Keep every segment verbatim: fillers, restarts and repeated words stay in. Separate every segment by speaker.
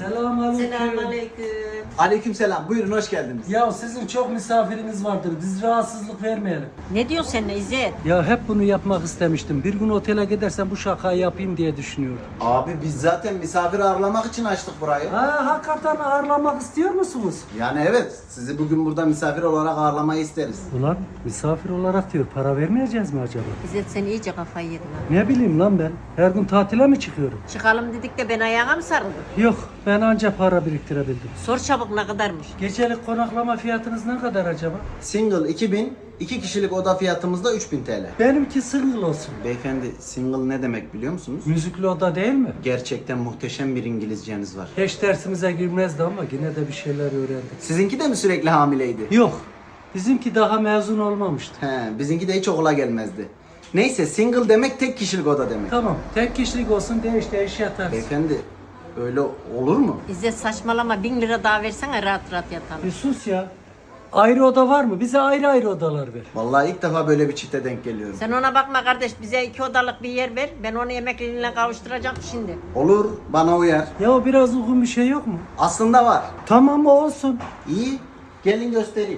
Speaker 1: Selamünaleyküm.
Speaker 2: Selamünaleyküm.
Speaker 3: Aleykümselam. Buyurun hoş geldiniz.
Speaker 1: Ya sizin çok misafiriniz vardır. Biz rahatsızlık vermeyelim.
Speaker 2: Ne diyorsun sen İzzet?
Speaker 1: Ya hep bunu yapmak istemiştim. Bir gün otele gidersem bu şakayı yapayım diye düşünüyordum.
Speaker 3: Abi biz zaten misafir ağırlamak için açtık burayı.
Speaker 1: Ha, hakikaten ağırlamak istiyor musunuz?
Speaker 3: Yani evet, sizi bugün burada misafir olarak ağırlamayı isteriz.
Speaker 1: Ulan misafir olarak diyor. Para vermeyeceğiz mi acaba?
Speaker 2: İzzet sen iyice kafayı yedin ha.
Speaker 1: Ne bileyim lan ben. Her gün tatile mi çıkıyorum?
Speaker 2: Çıkalım dedik de ben ayağa mı sarıldım?
Speaker 1: Yok, ben anca para biriktirebildim.
Speaker 2: Sor çabuk ne kadarmış?
Speaker 1: Gecelik konaklama fiyatınız ne kadar acaba?
Speaker 3: Single iki bin, iki kişilik oda fiyatımız da üç bin T L.
Speaker 1: Benimki single olsun.
Speaker 3: Beyefendi, single ne demek biliyor musunuz?
Speaker 1: Müzikli oda değil mi?
Speaker 3: Gerçekten muhteşem bir İngilizceniz var.
Speaker 1: Hiç dersimize girmezdi ama yine de bir şeyler öğrendik.
Speaker 3: Sizinki de mi sürekli hamileydi?
Speaker 1: Yok, bizimki daha mezun olmamıştı.
Speaker 3: He, bizimki de hiç okula gelmezdi. Neyse, single demek tek kişilik oda demek.
Speaker 1: Tamam, tek kişilik olsun, değiş değiş yatarız.
Speaker 3: Beyefendi, öyle olur mu?
Speaker 2: İzzet saçmalama bin lira daha versene rahat rahat yatalım.
Speaker 1: Bir sus ya. Ayrı oda var mı? Bize ayrı ayrı odalar ver.
Speaker 3: Vallahi ilk defa böyle bir çifte denk geliyorum.
Speaker 2: Sen ona bakma kardeş bize iki odalık bir yer ver. Ben onu emekliliğine kavuşturacağım şimdi.
Speaker 3: Olur, bana uyar.
Speaker 1: Ya o biraz uygun bir şey yok mu?
Speaker 3: Aslında var.
Speaker 1: Tamam o olsun.
Speaker 3: İyi, gelin göstereyim.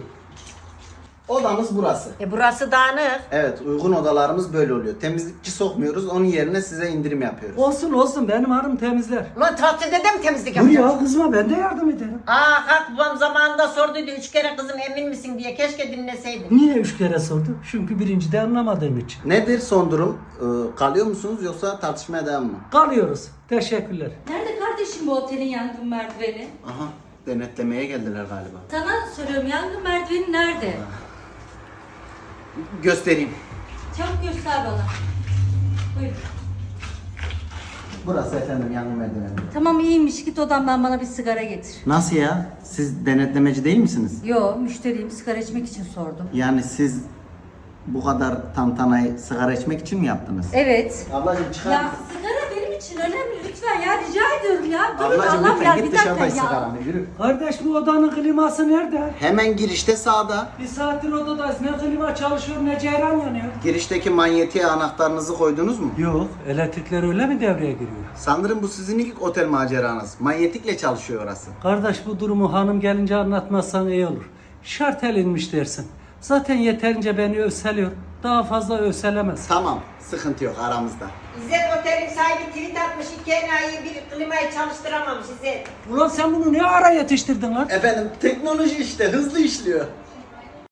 Speaker 3: Odamız burası.
Speaker 2: E burası dağınık.
Speaker 3: Evet, uygun odalarımız böyle oluyor. Temizlikçi sokmuyoruz, onun yerine size indirim yapıyoruz.
Speaker 1: Olsun olsun, benim hanım temizler.
Speaker 2: Ulan tatilde de mi temizlik
Speaker 1: Dur
Speaker 2: yapacağız?
Speaker 1: ya kızma, ben de yardım ederim.
Speaker 2: Aa kalk babam zamanında sorduydu üç kere kızım emin misin diye keşke dinleseydin.
Speaker 1: Niye üç kere sordu? Çünkü birincide anlamadığım için.
Speaker 3: Nedir son durum? Ee, kalıyor musunuz yoksa tartışmaya devam mı?
Speaker 1: Kalıyoruz. Teşekkürler.
Speaker 4: Nerede kardeşim bu otelin yangın merdiveni?
Speaker 3: Aha, denetlemeye geldiler galiba.
Speaker 4: Sana soruyorum, yangın merdiveni nerede?
Speaker 3: Göstereyim.
Speaker 4: Çabuk göster bana. Buyur.
Speaker 3: Burası efendim yangın merdiveni.
Speaker 4: Tamam iyiymiş, git odamdan bana bir sigara getir.
Speaker 3: Nasıl ya? Siz denetlemeci değil misiniz?
Speaker 4: Yo, müşteriyim, sigara içmek için sordum.
Speaker 3: Yani siz bu kadar tantanayı sigara içmek için mi yaptınız?
Speaker 4: Evet.
Speaker 3: Ablacığım çıkar
Speaker 4: Ya
Speaker 3: mısın?
Speaker 4: sigara benim için önemli, lütfen ya, rica ediyorum ya. Durun
Speaker 3: Ablacığım
Speaker 4: Allah'ım
Speaker 3: lütfen
Speaker 4: ya,
Speaker 3: git
Speaker 4: bir
Speaker 3: dışarıda
Speaker 4: dakika
Speaker 3: iç
Speaker 4: ya.
Speaker 3: sigaranı, yürü.
Speaker 1: Kardeş bu odanın kliması nerede?
Speaker 3: Hemen girişte sağda.
Speaker 1: Bir saattir odadayız. Ne klima çalışıyor ne ceyran yanıyor.
Speaker 3: Girişteki manyetiğe anahtarınızı koydunuz mu?
Speaker 1: Yok, elektrikler öyle mi devreye giriyor?
Speaker 3: Sanırım bu sizin ilk otel maceranız. Manyetikle çalışıyor orası.
Speaker 1: Kardeş bu durumu hanım gelince anlatmazsan iyi olur. Şart elinmiş dersin. Zaten yeterince beni övseliyor. Daha fazla övselemez.
Speaker 3: Tamam, sıkıntı yok aramızda.
Speaker 2: İzzet otelin sahibi tweet atmış iki enayi bir klimayı çalıştıramamış İzzet.
Speaker 1: Ulan sen bunu ne ara yetiştirdin lan?
Speaker 3: Efendim teknoloji işte hızlı işliyor.